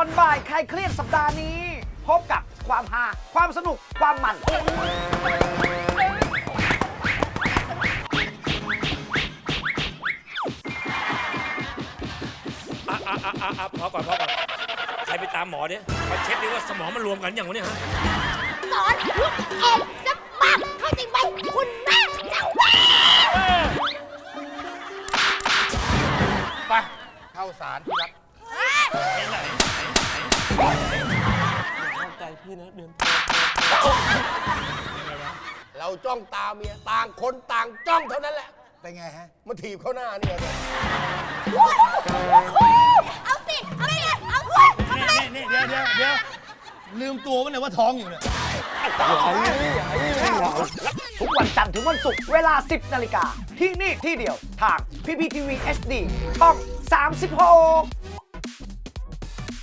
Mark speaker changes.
Speaker 1: อนบ่ายใครเครียดสัปดาห์นี้ พบกับความฮาความสนุกความมัน
Speaker 2: พอก่อนใครไปตามหมอเนี่ยมาเช็คดิว่าสมองมันรวมกันอย่างวะเนี่ยฮะ
Speaker 3: สอนลูกเอ็นสักปักเข้าใจไหมคุณแม่เจ้าแม่
Speaker 4: ไปเข้าสารที่รัก
Speaker 2: ใจพี่นะเดือน
Speaker 4: เราจ้องตาเมียต่างคนต่างจ้องเท่านั้นแหละ
Speaker 5: เป็นไงฮะ
Speaker 4: มาถีบเข้าหน้าเนี่ย
Speaker 3: เอาสิเอาสิเอาสิทำไม
Speaker 5: นี่เดี๋ยวลืมตัวมันเนี่ยว่าท้องอยู่เนี่ย
Speaker 1: ทุกวันจันทร์ถึงวันศุกร์เวลา 10 นาฬิกาที่นี่ที่เดียวทาง PPTV HD ช่อง 36